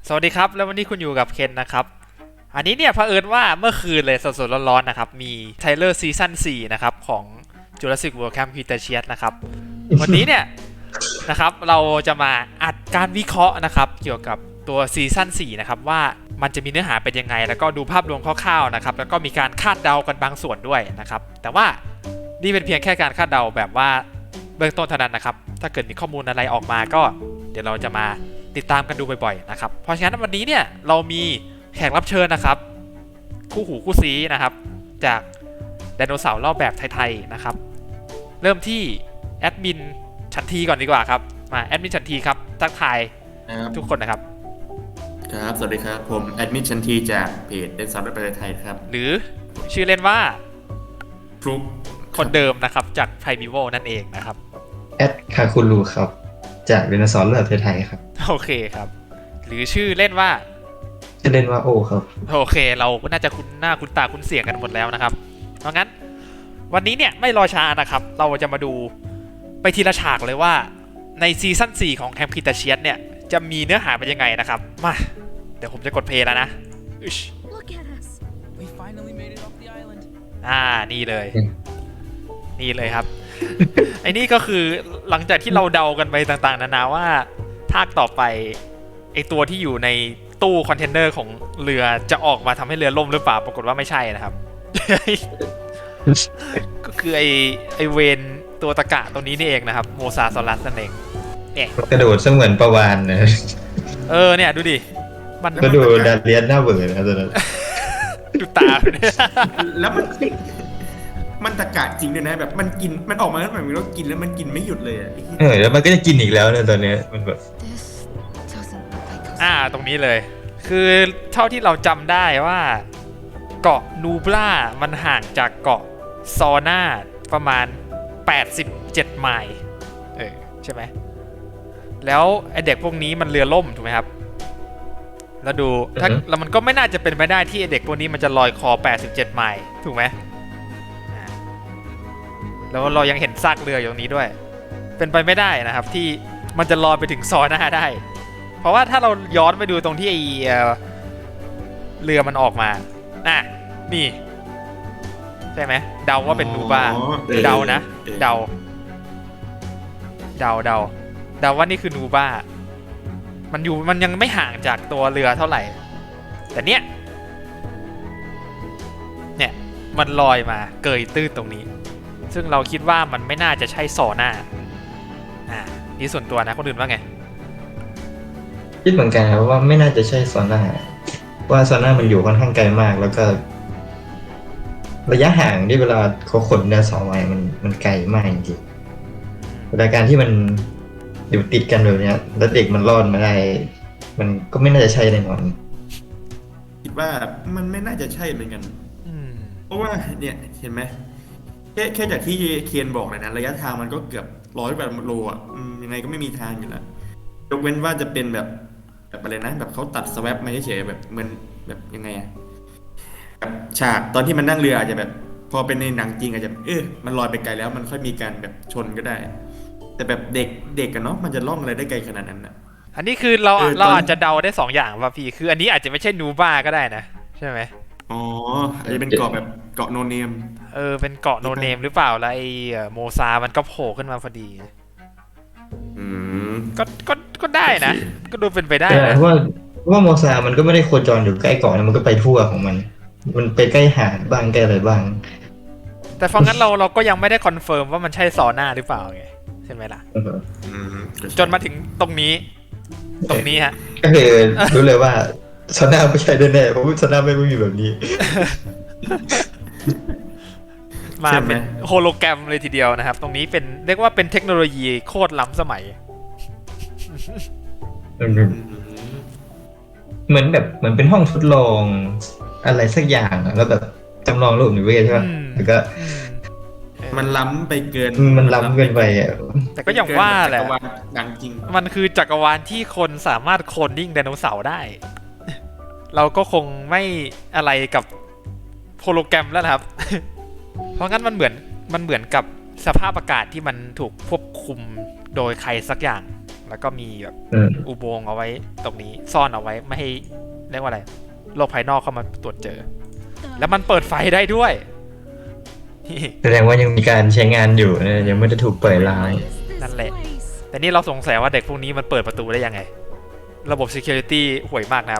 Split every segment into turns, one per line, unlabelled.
สวัสดีครับแล้ววันนี้คุณอยู่กับเคนนะครับอันนี้เนี่ยเผอิญว่าเมื่อคืนเลยสดๆร้อนๆนะครับมีไทเลอร์ซีซั่น4นะครับของ Jurassic World Camp Cretaceous นะครับวันนี้เนี่ยนะครับเราจะมาอัดการวิเคราะห์นะครับเกี่ยวกับตัวซีซั่น4นะครับว่ามันจะมีเนื้อหาเป็นยังไงแล้วก็ดูภาพรวมคร่าวๆนะครับแล้วก็มีการคาดเดากันบางส่วนด้วยนะครับแต่ว่านี่เป็นเพียงแค่การคาดเดาแบบว่าเบื้องต้นเท่านั้นนะครับถ้าเกิดมีข้อมูลอะไรออกมาก็เดี๋ยวเราจะมาติดตามกันดูบ่อยๆนะครับเพราะฉะนั้นวันนี้เนี่ยเรามีแขกรับเชิญนะครับคู่หูคู่ซีนะครับจากไดโนเสาร์รอบแบบไทยๆนะครับเริ่มที่แอดมินชันทีก่อนดีกว่าครับมาแอดมินชันทีครับทักทายทุกคนนะครับ
ครับสวัสดีครับผมแอดมิชชันทีจากเพจเดนซับประเทศไทยครับ
หรือชื่อเล่นว่า
ฟลุก
คนเดิมนะครับจากไพมิโวนั่นเองนะครับ
แอดคาคุรูครับจากเรนซอนเลือดไทยครับ
โอเคครับหรือชื่อเล่นว่า
จะเล่นว่าโอครับ
โอเคเราก็น่าจะคุ้นหน้าคุ้นตาคุ้นเสียงกันหมดแล้วนะครับเพราะงั้นวันนี้เนี่ยไม่รอช้านะครับเราจะมาดูไปทีละฉากเลยว่าในซีซั่น4ของแคมป์คริเทเชียสเนี่ยจะมีเนื้อหาเป็นยังไงนะครับมาเดี๋ยวผมจะกดเพลย์แล้วนะนี่เลยนี่เลยครับ ไอ้นี่ก็คือหลังจากที่เราเดากันไปต่างๆนานาว่าภาคต่อไปไอตัวที่อยู่ในตู้คอนเทนเนอร์ของเรือจะออกมาทำให้เรือล่มหรือเปล่าปรากฏว่าไม่ใช่นะครับ ก็คือไอเวนตัวตะกะตัวนี้นี่เองนะครับโมซาซอรัสนั่นเอง
กระโดดเสมือนประวานนะ
เนี่ยดูดิ
มันก็ดูดาเลียนหน้าเบื่อนะตอนนั้น
ดูตา
แล้วมันตะกะจริงเลยนะแบบมันกินมันออกมาแล้วมันกินแล้วมันกินไม่หยุดเลย
แล้วมันก็จะกินอีกแล้วเนี่ยตอนนี้มันแบบ
ตรงนี้เลยคือเท่าที่เราจำได้ว่าเกาะนูบล่ามันห่างจากเกาะซอน่าประมาณ87ไมล์ใช่ไหมแล้วไอเด็กพวกนี้มันเรือล่มถูกไหมครับแล้วดูแล้วมันก็ไม่น่าจะเป็นไปได้ที่ไอเด็กพวกนี้มันจะลอยคอ87ไมล์ถูกไหมแล้วเรายังเห็นซากเรืออยู่ตรงนี้ด้วยเป็นไปไม่ได้นะครับที่มันจะลอยไปถึงซอน่าได้เพราะว่าถ้าเราย้อนไปดูตรงที่ไอเรือมันออกมานี่ใช่ไหมเดาว่าเป็นนูบ้าเดานะเดาว่านี่คือนูบ้ามันยังไม่ห่างจากตัวเรือเท่าไหร่แต่เนี่ยมันลอยมาเกยตื้นตรงนี้ซึ่งเราคิดว่ามันไม่น่าจะใช่ซอน่านี่ส่วนตัวนะคนอื่นว่าไง
คิดเหมือนกันครับว่าไม่น่าจะใช่ซอน่าว่าซอน่ามันอยู่ค่อนข้างไกลมากแล้วก็ระยะห่างที่เวลาเขาขนเรือ2 ไมล์มันไกลมากจริงๆเวลาการที่มันอยู่ติดกันแบบนี้แล้วเด็กมันรอดมาได้มันก็ไม่น่าจะใช่แน่นอน
คิดว่ามันไม่น่าจะใช่เหมือนกันเพราะว่าเนี่ยเห็นไหมแค่จากที่เคียนบอกเลยนะระยะทางมันก็เกือบ100 โลยังไงก็ไม่มีทางอยู่แล้วยกเว้นว่าจะเป็นแบบอะไรนะแบบเขาตัดสแวปมาเฉยๆแบบเหมือนแบบยังไงแบบฉากตอนที่มันนั่งเรืออาจจะแบบพอเป็นในหนังจริงอาจจะมันลอยไปไกลแล้วมันค่อยมีการแบบชนก็ได้แต่แบบเด็กกันเนาะมันจะล่องอะไรได้ไกลขนาดนั้นนะ
อันนี้คือเราอาจจะเดาได้2อย่างป่ะพี่คืออันนี้อาจจะไม่ใช่นูบ้าก็ได้นะใช่ไหม
อาจจะเป็นเกาะแบบเกาะโนเนม
เป็นเกาะโนเนมหรือเปล่าแล้วไอโมซามันก็โผล่ขึ้นมาพอดีก็ได้นะก็ดูเป็นไปได้นะ
ว่าโมซามันก็ไม่ได้โคจรอยู่ใกล้เกาะนะมันก็ไปทั่วของมันไปใกล้หาดบ้างใกล้อะไรบ้าง
แต่ฟังงั้นเราก็ยังไม่ได้คอนเฟิร์มว่ามันใช่ซอน่าหรือเปล่าไงใช่ไหมล่ะจนมาถึงตรงนี้ฮะ
ก็คือรู้เลยว่าซอน่าไม่ใช่แน่ๆเพราะว่าซอน่าไม่มีแบบนี้
มาเป็นโฮโลแกรมเลยทีเดียวนะครับตรงนี้เป็นเรียกว่าเป็นเทคโนโลยีโคตรล้ำสมัย
เหมือนเป็นห้องทดลองอะไรสักอย่างแล้วแบบจำลองโลกนิเวศใช่ไหมแล้วก็
มันล้ำไปเกิน
มันล้ำเกินไป
แต่ก็อย่างว่าแหละ
หนังจริง
มันคือจักรวาลที่คนสามารถโคลนนิ่งไดโนเสาร์ได้เราก็คงไม่อะไรกับโฮโลแกรมแล้วครับเพราะงั้นมันเหมือนกับสภาพอากาศที่มันถูกควบคุมโดยใครสักอย่างแล้วก็มีแบบ
อืม
อุโมงค์เอาไว้ตรงนี้ซ่อนเอาไว้ไม่ให้เรียกว่าอะไรโลกภายนอกเข้ามาตรวจเจอ แล้วมันเปิดไฟได้ด้วย
แสดงว่ายังมีการใช้งานอยู่นะยังไม่ได้ถูกเปิดร้าง
นั่นแหละ แต่นี่เราสงสัยว่าเด็กพวกนี้มันเปิดประตูได้ยังไง ระบบ security ห่วยมากนะครับ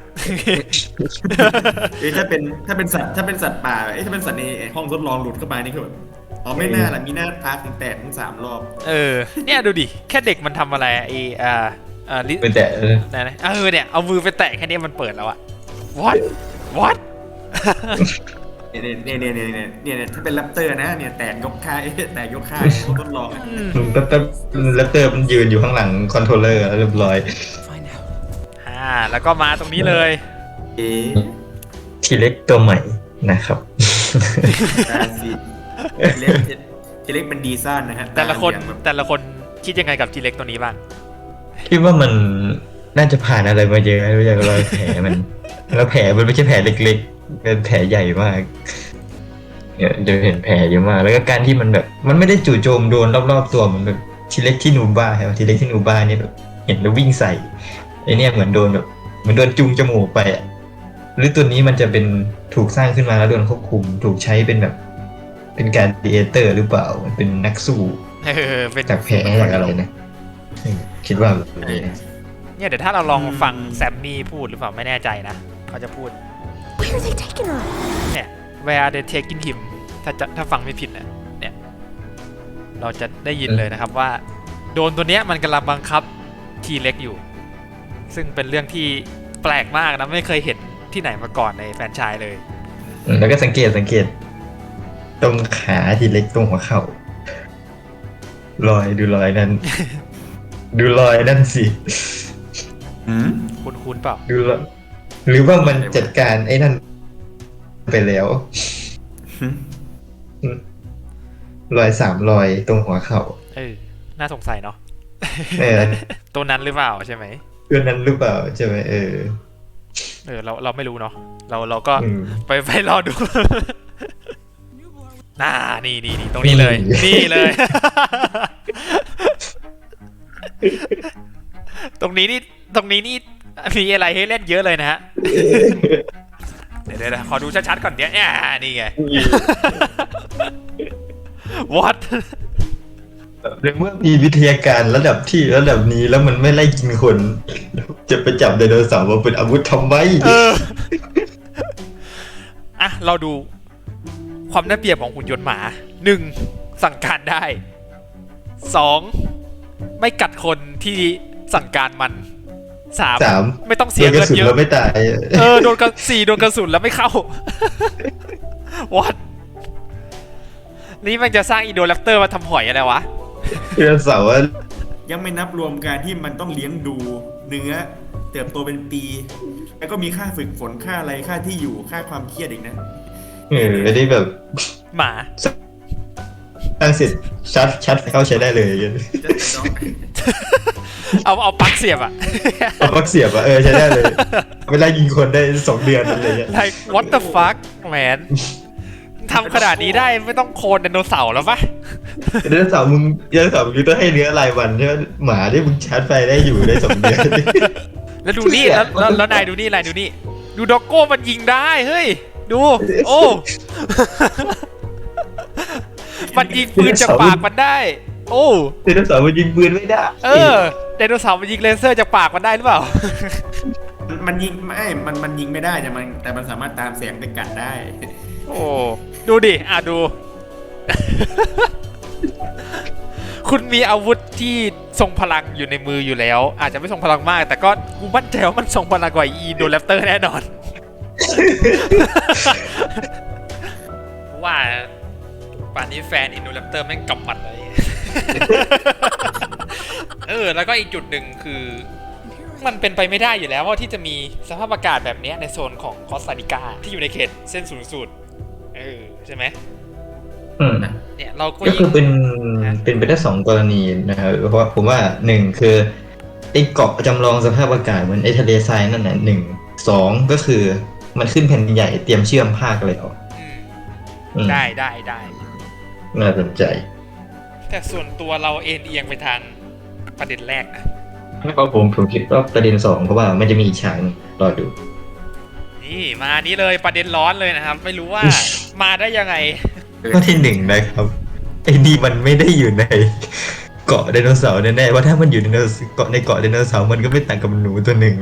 ถ้าเป็นสัตว์ป่าถ้าเป็นสัตว์ในห้องทดลองหลุดเข้าไปนี่คือแบบอ๋อไม่น่าล่ะมีหน้าตาถึงแตกทั้ง3 รอบ
เนี่ยดูดิ แค่เด็กมันทำอะไรลิ
เป็นแต่
นะเนี่ยเอามือไปแตะแค่นี้มันเปิดแล้วอะ what
เนี่ยถ้าเป็นแรปเตอร์นะเนี่ยแตกยกค่ายแตกยกค่ายห้องทดลอง
แป๊บแรปเตอร์มันยืนอยู่ข้างหลังคอนโทรลเลอร์เรียบร้อย
แล้วก็มาตรงนี้เลย
ทีเล็กตัวใหม่นะครับ
ทีเล็กเป็นดีซ่านนะฮะ
แต่ละคนคิดยังไงกับทีเล็กตัวนี้บ้าง
คิดว่ามันน่าจะผ่านอะไรมาเยอะอย่างรอยแผลมัน แล้วแผลมันไม่ใช่แผลเล็กๆเป็นแผลใหญ่มากเนี่ยจะเห็นแผลเยอะมากแล้วก็การที่มันแบบมันไม่ได้จู่โจมโดนรอบๆตัวเหมือนแบบทีเล็กที่นูบ้าครับทีเล็กที่นูบ้าเนี่ยแบบเห็นแล้ววิ่งใส่ไอเนี่ยเหมือนโดนจุงจมูกไปอ่ะหรือตัวนี้มันจะเป็นถูกสร้างขึ้นมาแล้วโดนควบคุมถูกใช้เป็นแบบเป็นการดีเอเตอร์หรือเปล่าเป็นนักสู้จากแผลจากอะไรนะคิดว่าแบบนี้นะ
เนี่ยเดี๋ยวถ้าเราลองฟังแซมมี่พูดหรือเปล่าไม่แน่ใจนะเขาจะพูด
Where are they taking her?
เนี่ย where are they taking him ถ้าฟังไม่ผิดนะเนี่ยเราจะได้ยินเลยนะครับว่าโดนตัวเนี้ยมันกำลังบังคับทีเล็กอยู่ ซึ่งเป็นเรื่องที่แปลกมากนะไม่เคยเห็นที่ไหนมาก่อนในแฟรนไชส์เลย
แล้วก็สังเกตตรงขาทีเล็กตรงหัวเข่า ดูรอยนั่น ดูรอยนั่นสิ
คุ้นๆเปล่า
ดูรอยหรือว่ามันจัดการไอ้นั่นไปแล้ว รอย3 รอยตรงหัวเข่า
น่าสงสัยเนาะ ตัวนั้นหรือเปล่าใช่ไหม
เพื่อนนั้นหรือเปล่าใช่ไหม
เราไม่รู้เนาะเราก็ไปรอดู นี่ตรงนี้เลย นี่เลย ตรงนี้นี่มีอะไรให้เล่นเยอะเลยนะฮะ เดี๋ยวขอดูชัดๆก่อนเดี๋ยวนี่ไง what
ในเมื่อมีวิทยาการระดับนี้แล้วมันไม่ไล่กินคน จะไปจับไดโนเสาร์มาเป็นอาวุธทำไม
เราดูความน่าเปรียบของหุ่นยนต์หมา 1. สั่งการได้ 2. ไม่กัดคนที่สั่งการมัน 3. ไม่ต้องเสียเงินเยอะ
ไม่ตาย
โดนกระสุนแล้วไม่เข้า what นี่มันจะสร้างอีโดแรปเตอร์มาทำหอยอะไรวะ
ไดโนเสาร์
ยังไม่นับรวมการที่มันต้องเลี้ยงดูเนื้อเติบโตเป็นปี แล้วก็มีค่าฝึกฝนค่าอะไรค่าที่อยู่ค่าความเครียดอีกนะ
ไม่ได้แบบ
หมา
ตั้งเสร็จชัดเข้าใช้ได้เลย
เอาปลั๊กเสียบ
เอาปลั๊กเสียบใช้ได้เลยเวลายิงคนได้2 เดือนอะไรอย่างเงี้ย
like what the fuck man ทำขนาดนี้ได้ไม่ต้องโคลนไดโนเสาร์แล้วปะ
ไดโนเสาร์มึงต้องให้เนื้อรายวันใช่ไหมหมาที่มึงชาร์จไฟได้อยู่ได้2 เดือน
แล้วดูนี่แล้วนายดูนี่ดูด็อกโก้มันยิงได้เฮ้ยดูโอ้มันยิงปืนจากปากมันได้โอ้
ไดโนเสาร์มันยิงปืนไม่ได้
ไดโนเสาร์มันยิงเลเซอร์จากปากมันได้หรือเปล่า
มันยิงมันยิงไม่ได้แต่มันสามารถตามแสงไปกัดได้
โอ้ดูดิดู คุณมีอาวุธที่ทรงพลังอยู่ในมืออยู่แล้วอาจจะไม่ทรงพลังมากแต่ก็กูมั่นใจว่ามันทรงพลังกว่าอีโดแรปเตอร์แน่นอนว่าป่านนี้แฟนอินโดแรปเตอร์แม่งกำหมัดเลย แล้วก็อีกจุดหนึ่งคือมันเป็นไปไม่ได้อยู่แล้วว่าที่จะมีสภาพอากาศแบบนี้ในโซนของคอสตาริกาที่อยู่ในเขตเส้นศูนย์สูตรใช่ไหมเนี่ยเราก็
คือเป็นไปได้2 กรณีนะครับเพราะว่าผมว่า1คือไอ้เกาะจำลองสภาพอากาศเหมือนไอ้ทะเลทรายนั่นแหละ2ก็คือมันขึ้นแผ่นใหญ่เตรียมเชื่อมภาคเลย
ได้
น่าสนใจ
แต่ส่วนตัวเราเอียงไปทางประเด็นแรกนะ
เพราะผมคิดว่าประเด็นสองเพราะว่ามันจะมีอีกฉากหนึ่งรอดู
นี่มานี้เลยประเด็นร้อนเลยนะครับ ไม่รู้ว่ามาได้ยังไง
ข้อที่หนึ่งนะครับไอ้นี่มันไม่ได้อยู่ในเกาะไดโนเสาร์แน่ๆว่าถ้ามันอยู่ในเกาะไดโนเสาร์มันก็ไม่ต่างกับหนูตัวหนึ่ง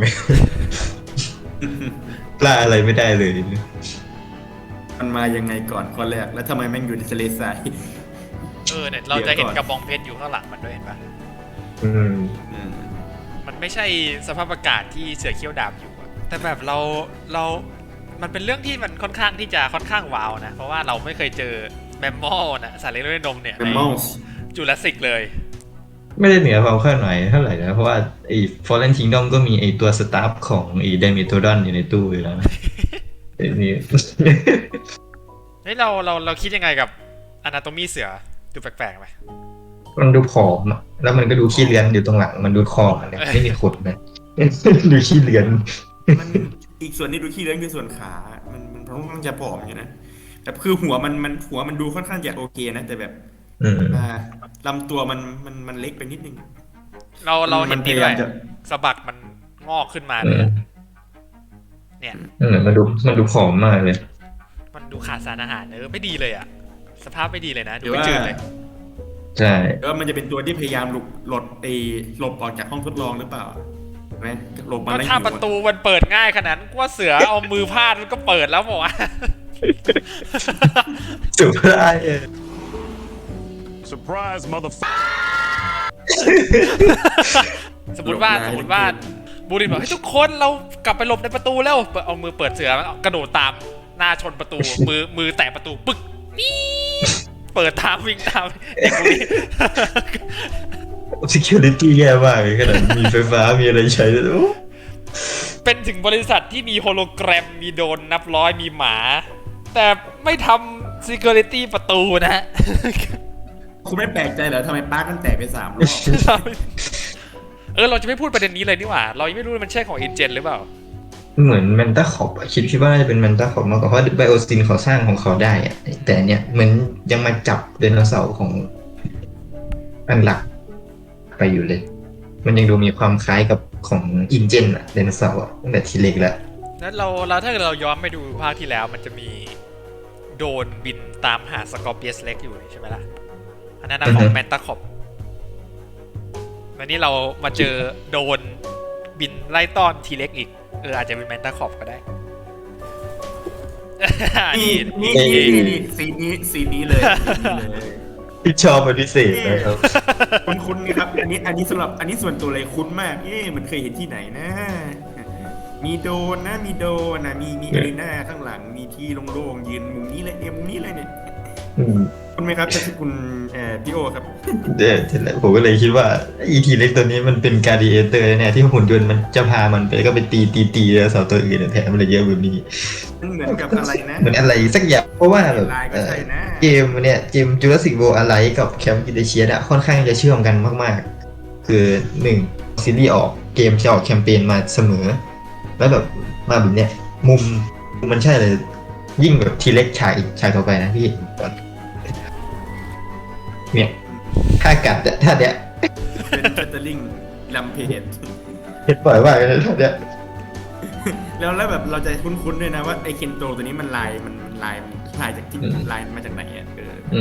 ล่าอะไรไม่ได้เลย
มันมายังไงก่อนข้อแรกแล้วทำไมแม่งอยู่ในทะเลทราย
เนี่ยเราจะเห็นกระบองเพชรอยู่ข้างหลังมันด้วยเห็นปะ
อืม
มันไม่ใช่สภาพอากาศที่เสือเขี้ยวดาบอยู่อะแต่แบบมันเป็นเรื่องที่มันค่อนข้างที่จะค่อนข้างว้าวนะ เพราะว่าเราไม่เคยเจอแมมมอลนะสัตว์เลี้ยงด้วยนมเนี่ย
แม
ใน
มมอล
จูราสสิกเลย
ไม่ได้เหนือความคาดหมายเท่าไหร่นะเพราะว่าไอ้ Fallen Kingdom ก็มีไอ้ตัวสตาฟของไอ้ Dimetrodon อยู่ในตู้อยู่แล้วนะไอ้นี่
เฮ้ยเราคิดยังไงกับอนาโตมีเสือดูแปลกๆไหม
มันดูผอมอะแล้วมันก็ดูขี้เลือนอยู่ตรงหลังมันดูคอมันเนี่ยไม่มีขนนะ ดูขี้เลือน
มันอีกส่วนที่ดูขี้เลื้อนคือส่วนขา มันค่อนข้างจะผอมอยู่นะแต่คือหัวมันดูค่อนข้างจะโอเคนะแต่แบบ
อืม
ลำตัวมันเล็กไปนิดนึง
เราเห็นดีด้วย
มันพยายามจะ
สะบักมันงอกขึ้นมาเลยอะเนี่ย
มันดูผอมมากเลย
มันดูขาดสารอาหารไม่ดีเลยอะสภาพไม่ดีเลยนะดูไม่จืดเลย
ใช่
แล้วมันจะเป็นตัวที่พยายามหลบออกจากห้องทดลองหรือเปล่าเห็นไหมหลบมา
ก็
แล้ว
ถ้า
หิว
ประตูมันเปิดง่ายขนาดนั้นกูว่าเสือเอามือพาดมันก็เปิดแล้วบอกว่า
สุดท้าย
Surprise, motherfucker.
สมมติว่าบูรินบอกให้ยทุกคนเรากลับไปหลบในประตูแล้วเอามือเปิดเสือมันกระโดดตามหน้าชนประตู มือแตะประตูปึ๊กนี่เปิดตามวิ่งตามเด็กคนนี้
security แย่มากเลยขนาดมีไฟฟ้ามีอะไรใช้ด้วยโอ้
เป็นถึงบริษัทที่มีโฮโลแกรมมีโดรนนับร้อยมีหมา แต่ไม่ทำ security ประตูนะฮะ
คุณไม่แปลกใจเหรอทำไมปาร์คมันแตกไป3 รอบ
เราจะไม่พูดประเด็นนี้เลยนี่หว่า เรายังไม่รู้มันใช่ของอินเจนหรือเปล่า
เหมือนแมนตาขอบคิดว่าน่าจะเป็นแมนตาขอบมากกว่าเพราะไบโอซินเขาสร้างของเขาได้อะแต่อันเนี่ยเหมือนยังมาจับไดโนเสาร์ของอันหลักไปอยู่เลย มันยังดูมีความคล้ายกับของอินเจนอะไดโนเสาร์อะตั้งแต่ทีเล็กแล้ว
แล้วเราถ้าเกิดเราย้อนไปดูภาคที่แล้วมันจะมีโดรนบินตามหาสกอร์เปียสเล็กอยู่ใช่ไหมล่ะ อันนั้นนะของแมนตาคอบวันนี้เรามาเจอโดรนบินไล่ต้อนทีเล็กอีกอาจจะเป็นแมนตาคอบก็ได้
นี่สีนี้เลย
ที่ชอบเป็นพิเศษนะครับ
คุ้นๆครับอันนี้สำหรับอันนี้ส่วนตัวเลยคุ้นมากมันเคยเห็นที่ไหนนะ มีโดนนะมีอารีนาข้างหลังมีที่โล่งๆยืนมุมนี้เลยมุมนี้เลยเนี่ย
อืม
คุณไหมครับคุณพี่โอครับ
เดี๋ยวผมก็เลยคิดว่าอีทีเล็กตัวนี้มันเป็นการดีเอเตอร์เนี่ยที่หุ่นยนต์มันจะพามันไปก็ไปตีแล้วเสาตัวอื่นแถมมันเลยเยอะแบบนี้
มันเหมือนกับอะไรนะ
เหมือนอะไรสักอย่างเพราะว่าแบบ
ลายก็ใช่นะ
เกมจูราสสิก World อะไรกับแคมป์กิเดเชียอะค่อนข้างจะเชื่อมกันมากๆ คือ1ซีรีส์ออกเกมจะออกแคมเปญมาเสมอ แล้วแบบมาแบบเนี้ยมุมมันใช่เลยยิ่งแบบทีเล็กฉายต่อไปนะพี่เนี่ยถ้ากัดท่าเนี้ย
เป็นเฟเตอร์ลิงลัมเพจ
เห็นบ่อยมากเลยท่าเนี้ย
แล้วแบบเราจะคุ้นๆด้วยนะว่าไอเคนโตตัวนี้มันลายจากที่ลายมาจากไหนอ่ะ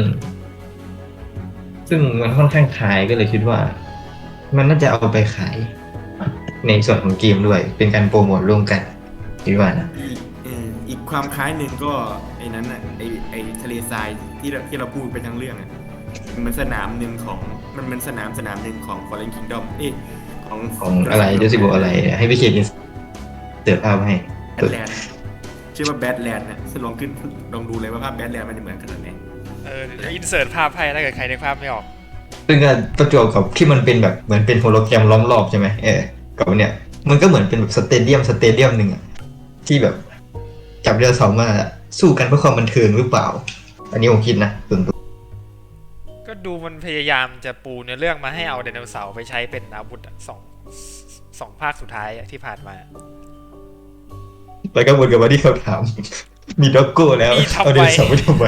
ซึ่งมันค่อนข้างขายก็เลยคิดว่า มันน่าจะเอาไปขายในส่วนของเกมด้วย เป็นการโปรโมทร่วมกันคิดว่านะ
อีกความคล้ายหนึ่งก็ไอ้นั้นอ่ะไอทะเลทรายที่เราพูดไปทั้งเรื่องอ่ะมันสนามหนึ่งของมันสนามหนึ่งของ Fallen Kingdom
ของอะไรจะสิบอกอะไรให้พี่เขียนอินเสิร์ตภาพให้
แบทแลนด์ชื่อว่าแบทแลนด์นะลองดูเลยว่าภาพแบทแลนด์มันจะเหมือนขนาดไหน
อินเสิร์ตภาพให้ถ้าเกิดใครนึกภาพไม่ออก
ซึ่งประจวบกับที่มันเป็นแบบเหมือนเป็นโฮโลแกรมล้อมรอบใช่ไหมกับเนี่ยมันก็เหมือนเป็นแบบสเตเดียมหนึ่งอะที่แบบจับเรือเสาร์มาสู้กันเพื่อความบันเทิงหรือเปล่า อันนี้ผมคิดนะส่วนตัว
ก็ดูมันพยายามจะปูเนื้อเรื่องมาให้เอาไดโนเสาร์ไปใช้เป็นอาวุธสองภาคสุดท้ายที่ผ่านมา
แล้วก็วนกลับมาที่คำถาม มีด็อกโก้แล้ว
มีทำไม
เอาไดโนเสาร์ไปทำไม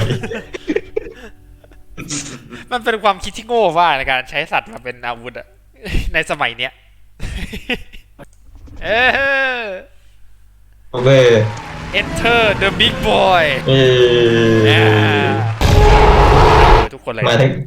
มันเป็นความคิดที่โง่ว่าในการใช้สัตว์มาเป็นอาวุธอะ ในสมัยเนี้ยเออ
โอเวอร์
Enter the big boy
เอ
ทุกคนเลย
มาทั้ง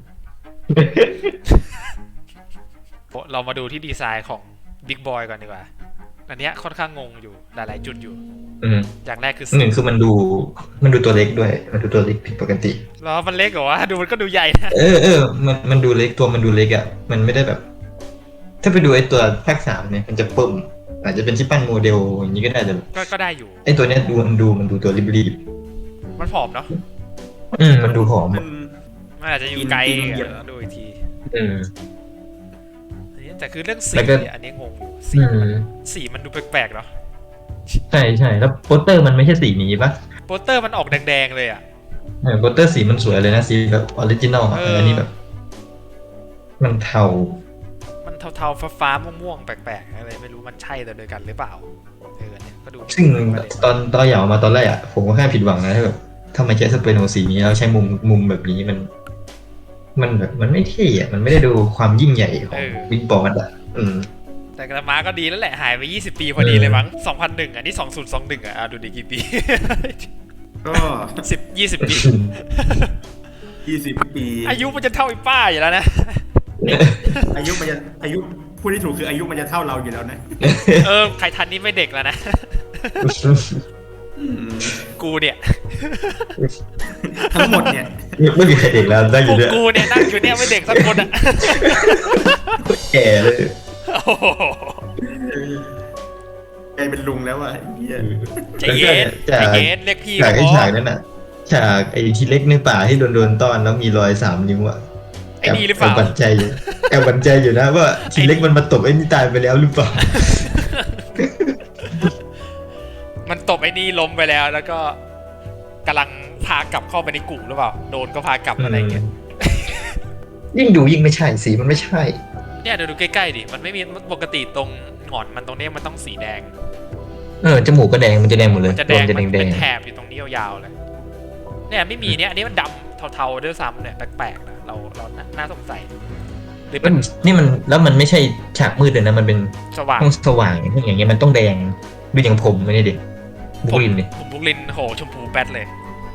เรามาดูที่ดีไซน์ของ Big Boy ก่อนดีกว่า อันเนี้ยค่อนข้างงงอยู่หลายๆจุดอยู่ อย่างแรกคือ
หนึ่งคือมันดูตัวเล็กด้วยมันดูตัวเล็กผิดปกติ
แล้วมันเล็กเหรอวะดูมันก็ดูใหญ่นะ
มันดูเล็กตัวมันดูเล็กอ่ะมันไม่ได้แบบ ถ้าไปดูไอ้ตัวภาค 3เนี่ยมันจะปุ่มอาจจะเป็นที่ปั้นโมเดลอย่างนี้ก็ได้แต่
ก็ได้อยู่
ไอ้ตัวเนี้ยมันดูตัวรีบ
มันผอมเนาะ
ๆมันดูผอม
มัน
มันอาจจะอยู่ไกล
ปีนเหยียบ
ดูอีกที
อืม
อันนี้แต่คือเรื่องสี
แล้วก็
อันนี้งงอยู่
อืม
สีมันดูแปลกๆเนาะ
ใช่แล้วโปสเตอร์มันไม่ใช่สีนี้ปะ
โปสเตอร์มันออกแดงๆเลยอ่ะ
โปสเตอร์สีมันสวยเลยนะสีแบบออริจินอลอันนี้แบบ มันเทา
มันเทาๆฟ้าๆม่วงๆแปลกๆอะไรไม่รู้มันใช่แต่โดยกันหรือเปล่าเนี่ยก็ดู
ซึ่งตอนเหยามาตอนแรกอ่ะผมก็แค่ผิดหวังนะที่แบบถ้ามาใช้สเปโนสีนี้แล้วใช้มุมแบบนี้มันแบบมันไม่เท่อะมันไม่ได้ดูความยิ่งใหญ่ของบิ๊กบอสอ่ะ
แต่กระมาก็ดีแล้วแหละหายไป20 ปีพอดีเลยมั้ง2001อันนี้2021อ่ะดูดิกี่ปี
ก็
20 ปี
20 ปี
อายุมันจะเท่าไอ้ป้าอยู่แล้วนะ
อายุพูดที่ถูกคืออายุมันจะเท่าเราอยู่แล้วนะ
ใครทันนี่ไม่เด็กแล้วนะ กูเนี่ย
ทั้งหมดเนี่ย
ไม่มีใครเด็กแล้วได้อยู่ด้วย
กูเนี่ยนั่งอยู่เนี่ยไม่เด็กสักคนอ่ะ
แก่เลย
โอ้โห
กลายเป็นลุงแล้วอ่ะเหี้ย
ใจเย็นเรียกพี่
ฉาก
ก็
ไอ้
พอ
ฉากนั้นน่ะฉากไอ้ทีเล็กในป่าที่โดนต้อนแล้วมีรอย3 นิ้วอ่ะ
ไอ้นี่หรือเปล่า
แอบบันใจอยู่นะว่าทีเล็กมันมาตบไอ้นี่ตายไปแล้วหรือเปล่า
มันตบไอ้นี่ล้มไปแล้วแล้วก็กำลังพากลับเข้าไปในกลุ่มหรือเปล่าโดนก็พากลับอะไรเงี้ย
ยิ่งดูยิ่งไม่ใช่สีมันไม่ใช่
เนี่ยเดี๋ยวดูใกล้ๆดิมันไม่มีปกติตรงหงอนมันตรงนี้มันต้องสีแดง
จมูกก็แดงมันจะแดงหมดเลย
จะแดง
รว
มัน
แด
เป็
ง
นแถบอยู่ตรงนี้ยาวๆเลยเนี่ยไม่มีเนี่ยอันนี้มันดำเทาๆด้วยซ้ำเนี่ยแปลกๆนะเราน่าสงสัยหรือ
ๆ
เป็น
นี่มันแล้วมันไม่ใช่ฉากมืดเลยนะมันเป็น
สว่าง
ห้องสว่างอย่างเงี้ยมันต้องแดงดูอย่างผมไม่ได้ดิบุกลินดิ
ผมบุกลินโหชมพูแป๊ดเลย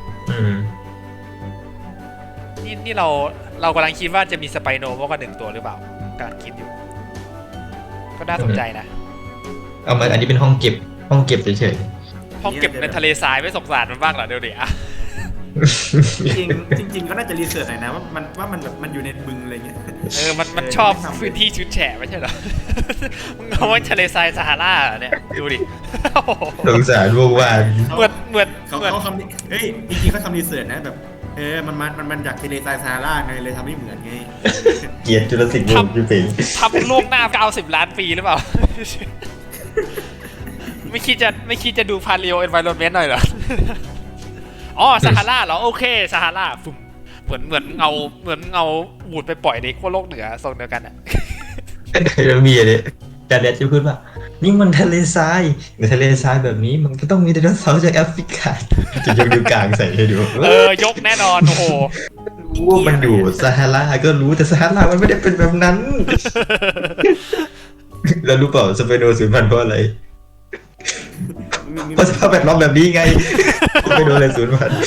นี่เรากำลังคิดว่าจะมีสไปโนมากกว่า1 ตัวหรือเปล่ากำลังคิดอยู่ ก็น่าสนใจนะ
เอามาอันนี้เป็นห้องเก็บเฉย
ห้องเก็บในทะเลทรายไม่สงสารมันบ้างเหรอเดี๋ยวดิอะ
จริงก็น่าจะรีเสิร์ชหน่อยนะว่ามันแบบมันอยู่ในบึงอะไรเงี้ย
มันชอบพื้นที่ชื้นแฉะไม่ใช่เหรอ มึงเอาไว้ทะเลทรายซาฮาราเนี่ยดูดิ
ๆสงสารพวกวาน
เหมือน
เขาทำเฮ้ยจริงๆเขาทำรีเสิร์ชนะแบบมันจากทะเลทรายซาฮาราไงเลยทำให้เหมือนไง
เกลียดจุลศิลป์วงศ์อยู่เป็น
ทำโลกหน้า90 ล้านปีหรือเปล่า ไม่คิดจะดูพาเลโอเอนไวโรนเมนต์หน่อยเหรอ อ๋อซาฮาราเหรอโอเคซาฮาราฟุ่มเหมือนเอาบูดไปปล่อยในขั้วโลกเหนือทรงเดียวกันอ่ะ
แล้วมีอะไรจานแดดจะพูดว่านี่มันทะเลทรายทะเลทรายแบบนี้มันก็ต้องมีไดโนเสาร์จากแอฟริกาจะยกนิ้วกลางใส่ให้ดู
ยกแน่นอนโอ้โห
รู้ว่ามันอยู่ซาฮาราก็รู้แต่ซาฮารามันไม่ได้เป็นแบบนั้น แล้วรู้เปล่าสเปโนสูญพันธุ์เพราะอะไรเพราะสภาพแวดล้อมแบบนี้ไงไม่โดนอะไรสูญพันธุ์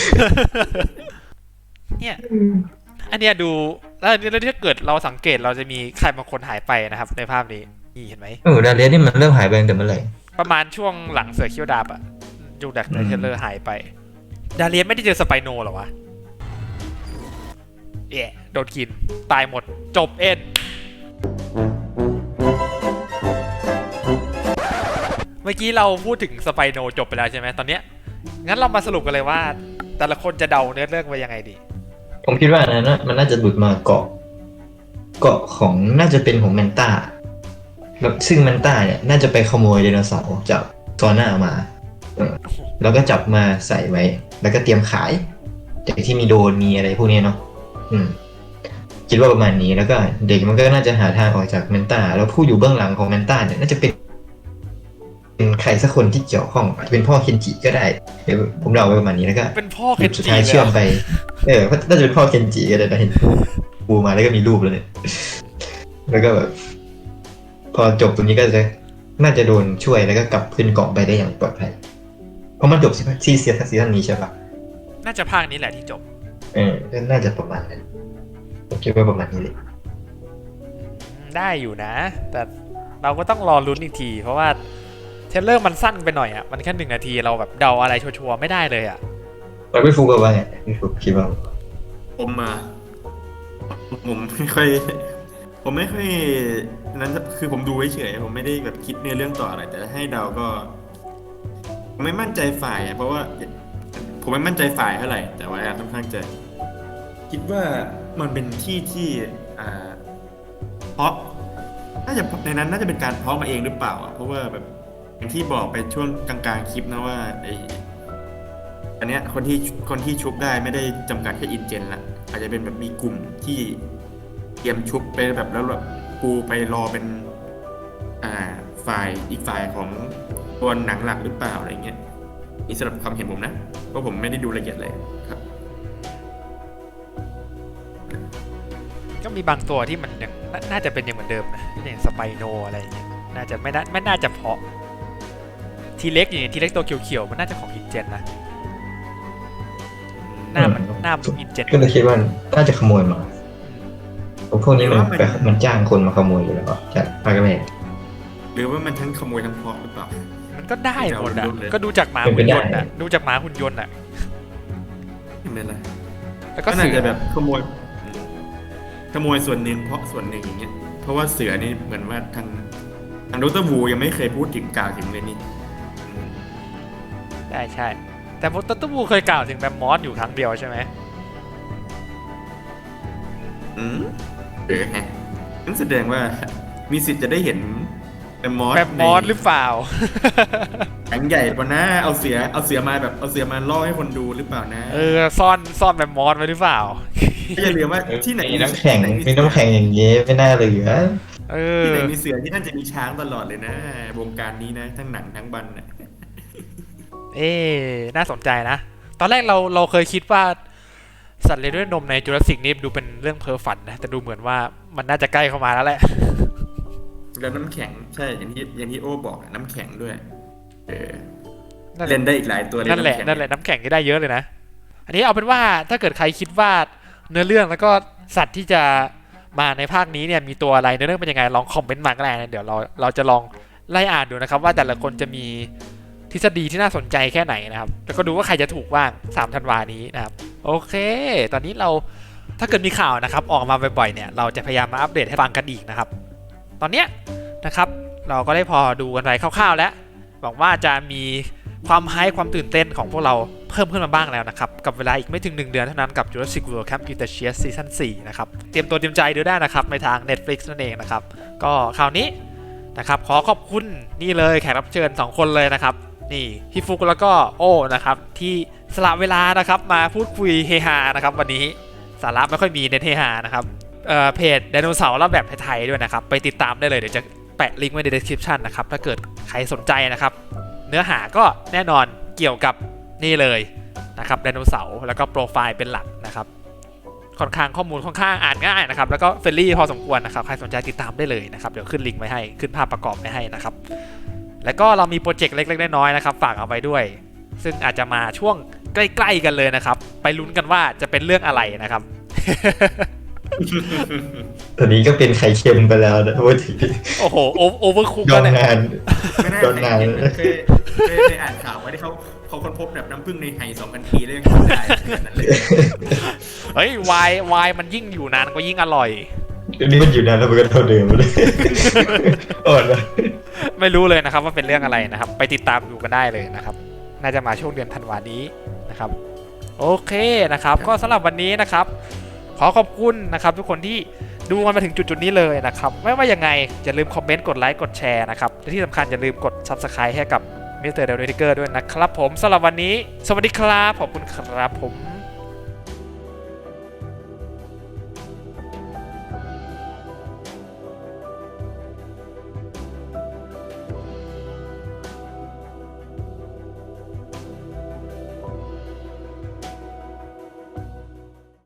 เนี่ยอันเนี้ยดูแล้วถ้าเกิดเราสังเกตเราจะมีใครบางคนหายไปนะครับในภาพนี้นี่เห็นไหม
ดาเลียนี่มันเริ่มหายไปตั้งแต่เมื่อไหร่
ประมาณช่วงหลังเสือเขี้ยวดาบอะยูดักเทเลอร์หายไปดาเลียนไม่ได้เจอสไปโนหรอวะโดนกินตายหมดจบเอ็นเมื่อกี้เราพูดถึงสไปโนจบไปแล้วใช่ไหมตอนเนี้ยงั้นเรามาสรุปกันเลยว่าแต่ละคนจะเดาเนื้อเรื่องไปยังไงดี
ผมคิดว่านะมันน่าจะหลุดมาเกาะของน่าจะเป็นของแมนต้าแล้วซึ่งแมนต้าเนี่ยน่าจะไปขโมยไดโนเสาร์จากซอน่ามาแล้วก็จับมาใส่ไว้แล้วก็เตรียมขายจากที่มีโดนมีอะไรพวกนี้เนาะคิดว่าประมาณนี้แล้วก็เด็กมันก็น่าจะหาทางออกจากแมนต้าแล้วผู้อยู่เบื้องหลังของแมนต้าเนี่ยน่าจะเป็นใครสักคนที่เกี่ยวข้องอาจจะเป็นพ่อเคนจิก็ได้เดี๋ยวผมเดาไว้ประมาณนี้แล้วก็
เป็นพ่อเคนจิ
สุดท้ายเชื่อมไปน่าจะเป็นพ่อเคนจิก็ได้นะเห็นปูมาแล้วก็มีรูปแล้วเนี่ยแล้วก็แบบพอจบตรงนี้ก็จะน่าจะโดนช่วยแล้วก็กลับขึ้นเกาะไปได้อย่างปลอดภัยเพราะมันจบซีซั่นนี้ใช่ปะ
น่าจะภาคนี้แหละที่จบ
ก็น่าจะประมาณนั้นผมคิดว่าประมาณนี้เลย
ได้อยู่นะ แต่เราก็ต้องรอลุ้นอีกที เพราะว่าเทรลเลอร์มันสั้นไปหน่อยอ่ะมันแค่1 นาทีเราแบบเดาอะไรชัวร์ๆไม่ได้เลยอ่ะ
แล้วพี่ฟุกว่าไงพี่ฟุกคิดว่า
ผมไม่ค่อยนั้นคือผมดูเฉยๆผมไม่ได้แบบคิดในเรื่องต่ออะไรแต่ให้เดาก็ผมไม่มั่นใจฝ่ายเพราะว่าผมไม่มั่นใจฝ่ายเท่าไหร่แต่ว่าค่อนข้างจะคิดว่ามันเป็นที่เพราะน่าจะในนั้นน่าจะเป็นการเพาะมาเองหรือเปล่าเพราะว่าแบบอย่างที่บอกไปช่วงกลางๆคลิปนะว่าอันเนี้ยคนที่ชุบได้ไม่ได้จำกัดแค่อินเจนละอาจจะเป็นแบบมีกลุ่มที่เตรียมชุบไปแบบแล้วแบบปูไปรอเป็นฝ่ายอีกฝ่ายของตัวหนังหลักหรือเปล่าอะไรเงี้ยนี่สำหรับความเห็นผมนะเพราะผมไม่ได้ดูละเอียดเลยครับ
ก็มีบางตัวที่มันยังน่าจะเป็นอย่างเหมือนเดิมนะอย่างสไปโนอะไรอย่างเงี้ยน่าจะไม่น่าจะเพาะทีเล็กอย่างทีเล็กตัวเขียวๆมันน่าจะของอินเจนนะหน้ามันอินเจน
ก็เลยคิดว่าน่าจะขโมยมาพวกนี้มันจ้างคนมาขโมยอยู่แล้วจากพากาเม
หรือว่ามันทั้งขโมยทั้งเพาะหรือเปล่า
มันก็ได้หมดอ่ะก็ดูจากหมาหุ่นยนต์อ่ะดูจากหมาหุ่นยนต์อ่ะ
ไม่เป็นไร
แล้วก็
ก็น่า
เสือ
จะแบบขโมยส่วนหนึ่งเพาะส่วนหนึ่งอย่างเงี้ยเพราะว่าเสือนี่เหมือนว่าทางดร.วูยังไม่เคยพูดถึงกล่าวถึงเลยนี่
ได้ใช่แต่ตัตบูเคยกล่าวถึงแบมมอสอยู่ครั้งเดียวใช่ไหม
ฮะนั่นแสดงว่ามีสิทธิ์จะได้เห็นแบมมอส
หรือเปล่า
หนังใหญ่กว่านะเอาเสือมาล่อให้คนดูหรือเปล่านะ
ซ่อนแบมมอสไว้หรือเปล่า
อย่าลืมว่าที่ไหน
มีน้ำแข็งอย่างเงี้ยไม่น่าเหลือ
ที่ไหนมีเสือที่นั่นจะมีช้างตลอดเลยนะวงการนี้นะทั้งหนังทั้งบันนะ
น่าสนใจนะตอนแรกเราเคยคิดว่าสัตว์เลี้ยงด้วยนมในจูราสสิกนี่ดูเป็นเรื่องเพ้อฝันนะแต่ดูเหมือนว่ามันน่าจะใกล้เข้ามาแล้วแหละ
แล้วน้ำแข็งใช่อย่างที่โอ้บอกน้ำแข็งด้วยเล่นได้อีกหลายตัวเลยนั่นแหละ
น้ำแข็งก็ได้เยอะเลยนะอันนี้เอาเป็นว่าถ้าเกิดใครคิดว่าเนื้อเรื่องแล้วก็สัตว์ที่จะมาในภาคนี้เนี่ยมีตัวอะไรเนื้อเรื่องเป็นยังไงลองคอมเมนต์มาก็ได้นะเดี๋ยวเราจะลองไล่อ่านดูนะครับว่าแต่ละคนจะมีทฤษฎีที่น่าสนใจแค่ไหนนะครับแล้วก็ดูว่าใครจะถูกบ้าง3 ธันวานี้นะครับโอเคตอนนี้เราถ้าเกิดมีข่าวนะครับออกมาบ่อยๆเนี่ยเราจะพยายามมาอัปเดตให้ฟังกันอีกนะครับตอนเนี้ยนะครับเราก็ได้พอดูกันไปคร่าวๆแล้วหวังว่าจะมีความไฮป์ความตื่นเต้นของพวกเราเพิ่มขึ้นมาบ้างแล้วนะครับกับเวลาอีกไม่ถึง1 เดือนเท่านั้นกับ Jurassic World Camp Cretaceous Season 4นะครับเตรียมตัวเตรียมใจดูได้นะครับในทาง Netflix นั่นเองนะครับก็คราวนี้นะครับขอขอบคุณนี่เลยแขกรับเชิญ2 คนเลยนะครับนี่พี่ฟุกแล้วก็โอ้นะครับที่สละเวลานะครับมาพูดคุยเฮฮานะครับวันนี้สาระไม่ค่อยมีเน้นเฮฮานะครับเพจไดโนเสาร์แล้วแบบไทยๆด้วยนะครับไปติดตามได้เลยเดี๋ยวจะแปะลิงก์ไว้ใน description นะครับถ้าเกิดใครสนใจนะครับเนื้อหาก็แน่นอนเกี่ยวกับนี่เลยนะครับไดโนเสาร์แล้วก็โปรไฟล์เป็นหลักนะครับค่อนข้างข้อมูลค่อนข้างอ่านง่ายนะครับแล้วก็เฟรนลี่พอสมควรนะครับใครสนใจติดตามได้เลยนะครับเดี๋ยวขึ้นลิงก์ไว้ให้ขึ้นภาพประกอบไว้ให้นะครับแล้วก็เรามีโปรเจกต์เล็กๆน้อยๆนะครับฝากเอาไว้ด้วยซึ่งอาจจะมาช่วงใกล้ๆกันเลยนะครับไปลุ้นกันว่าจะเป็นเรื่องอะไรนะครับ
ตอนนี้ก็เป็นไข่เค็มไปแล้วนะว่าถึง
โอ้โหโอเวอร์คุก
โด
แล้ว
น
เนี่ย
งาน
ไม่น่า
โดนงาน
เคยอ่านข่าวว่าที่เขาค้นพบแบบน้ำผึ้งในไห่2,000 ปีแล้วยังทำได้ขนาดนั้นเลย
เฮ้ยวายมันยิ่งอยู่นานก็ยิ่งอร่อย
นี่มันอยู่นานแล้วมันก็เท่าเดิมเลยอ่อนเลย
ไม่รู้เลยนะครับว่าเป็นเรื่องอะไรนะครับไปติดตามดูกันได้เลยนะครับน่าจะมาช่วงเดือนธันวานี้นะครับโอเคนะครับก็สำหรับวันนี้นะครับขอขอบคุณนะครับทุกคนที่ดูกันมาถึงจุดนี้เลยนะครับไม่ว่ายังไงอย่าลืมคอมเมนต์กดไลค์กดแชร์นะครับและที่สำคัญอย่าลืมกด Subscribe ให้กับ Mr. Delutiker ด้วยนะครับผมสำหรับวันนี้สวัสดีครับขอบคุณครับผม